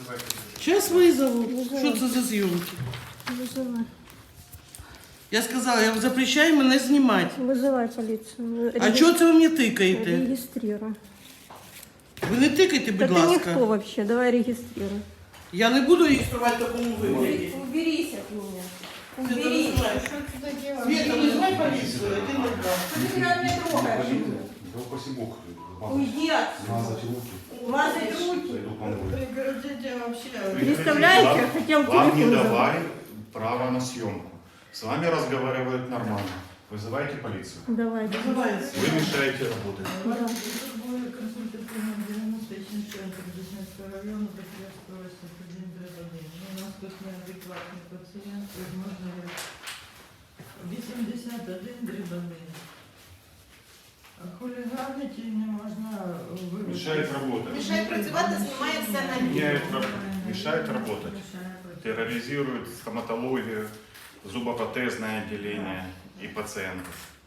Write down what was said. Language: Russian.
Сейчас вызову. Що це за зйомки? Вызывай. Я сказала, я вам запрещаю мене знімати. Вызывай полицию. А чого це ви мені тикаєте? Регистрируй. Ви не тикайте, Да будь ты ласка. никто вообще, давай регистрируй. Я не буду реєструвати в такому вигляді. Уберись от меня. Ти Уберись. знаєш. Что ты сюда делаешь? Света, вызывай полицию, иди на Что ты меня трогаешь? Да упаси Бог. Уйди отсюда. Мазать руки. Мазать руки. Пойду помою. Прекратите вообще. Представляете, хотел Вам не телефон забрать. давали право на съемку. С вами разговаривают нормально. Вызывайте полицию. Давай. Називається. Вы мешаете работать. Да. Консультативно 97 центр Деснянського району, Петрівського, 101. У нас тут неадекватний пацієнт, можна 81/1. Хуліганити не можна вивести. Мешает работать. Мішає працювати, знімається на Мешает работать. Терроризирует стоматологию, зубопротезное отделение и пациентов.